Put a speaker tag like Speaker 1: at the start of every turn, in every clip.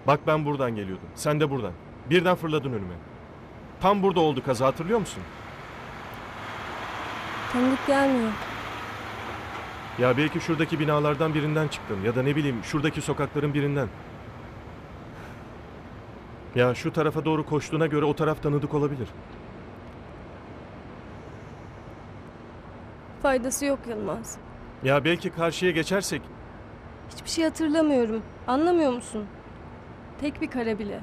Speaker 1: Bak ben buradan geliyordum. Sen de buradan. Birden fırladın önüme. Tam burada oldu kaza, hatırlıyor musun?
Speaker 2: Tanıdık gelmiyor.
Speaker 1: Ya belki şuradaki binalardan birinden çıktın. Ya da ne bileyim şuradaki sokakların birinden. Ya şu tarafa doğru koştuğuna göre o taraf tanıdık olabilir.
Speaker 2: Faydası yok Yılmaz.
Speaker 1: Ya belki karşıya geçersek...
Speaker 2: Hiçbir şey hatırlamıyorum. Anlamıyor musun? Tek bir kare bile.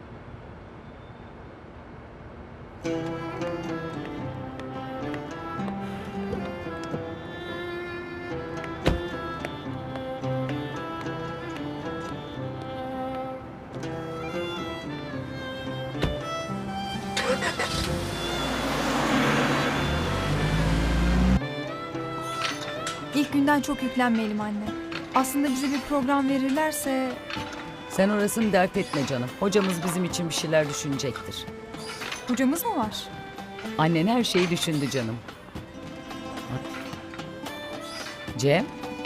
Speaker 3: İlk günden çok yüklenmeyelim anne. Aslında bize bir program verirlerse...
Speaker 4: Sen orasını dert etme canım. Hocamız bizim için bir şeyler düşünecektir.
Speaker 3: Hocamız mı var?
Speaker 4: Annen her şeyi düşündü canım. Cem?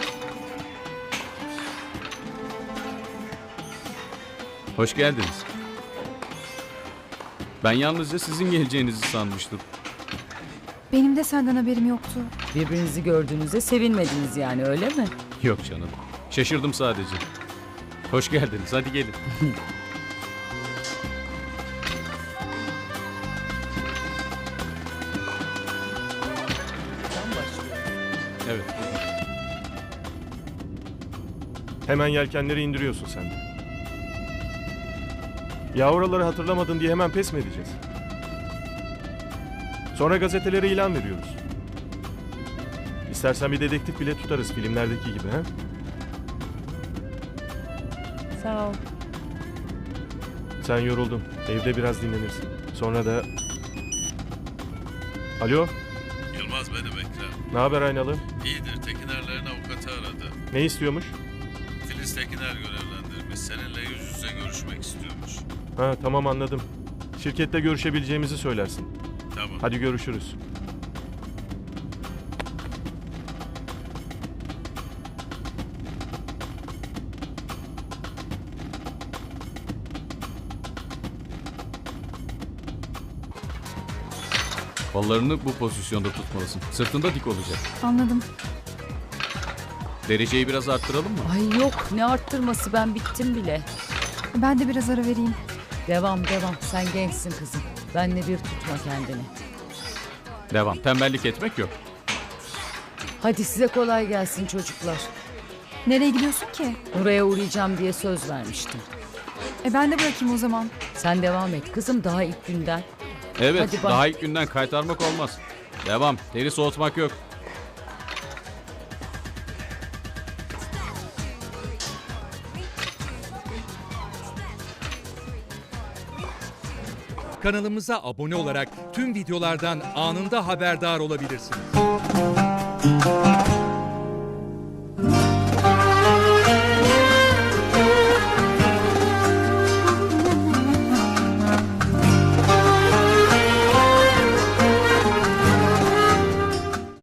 Speaker 5: Hoş geldiniz. Ben yalnızca sizin geleceğinizi sanmıştım.
Speaker 3: Benim de senden haberim yoktu.
Speaker 4: Birbirinizi gördüğünüzde sevinmediniz yani, öyle mi?
Speaker 5: Yok canım. Şaşırdım sadece. Hoş geldiniz. Hadi gelin. Evet.
Speaker 1: Hemen yelkenleri indiriyorsun sen de. Ya oraları hatırlamadın diye hemen pes mi edeceğiz? Sonra gazetelere ilan veriyoruz. İstersen bir dedektif bile tutarız filmlerdeki gibi, ha?
Speaker 2: Sağ ol.
Speaker 1: Sen yoruldun. Evde biraz dinlenirsin. Sonra da... Alo,
Speaker 6: Yılmaz benim Ekrem.
Speaker 1: ne haber Aynalı?
Speaker 6: İyidir. Tekinerlerin avukatı aradı.
Speaker 1: Ne istiyormuş?
Speaker 6: Filiz Tekiner görevlendirmiş. Seninle yüz yüze görüşmek istiyormuş.
Speaker 1: Ha tamam, anladım. Şirkette görüşebileceğimizi söylersin.
Speaker 6: Tamam.
Speaker 1: Hadi görüşürüz.
Speaker 5: Kollarını bu pozisyonda tutmalısın. Sırtında dik olacak.
Speaker 3: Anladım.
Speaker 5: Dereceyi biraz arttıralım mı?
Speaker 4: Ay yok, ne arttırması, ben bittim bile.
Speaker 3: Ben de biraz ara vereyim.
Speaker 4: Devam. Sen gençsin kızım. Benle bir tutma kendini.
Speaker 5: Devam. Tembellik etmek yok.
Speaker 4: Hadi size kolay gelsin çocuklar.
Speaker 3: Nereye gidiyorsun ki?
Speaker 4: Oraya uğrayacağım diye söz vermiştim.
Speaker 3: Ben de bırakayım o zaman.
Speaker 4: Sen devam et kızım, daha ilk günden.
Speaker 5: Evet.
Speaker 4: Hadi bak.
Speaker 5: Daha ilk günden kaytarmak olmaz. Devam. Teri soğutmak yok.
Speaker 7: Kanalımıza abone olarak tüm videolardan anında haberdar olabilirsiniz.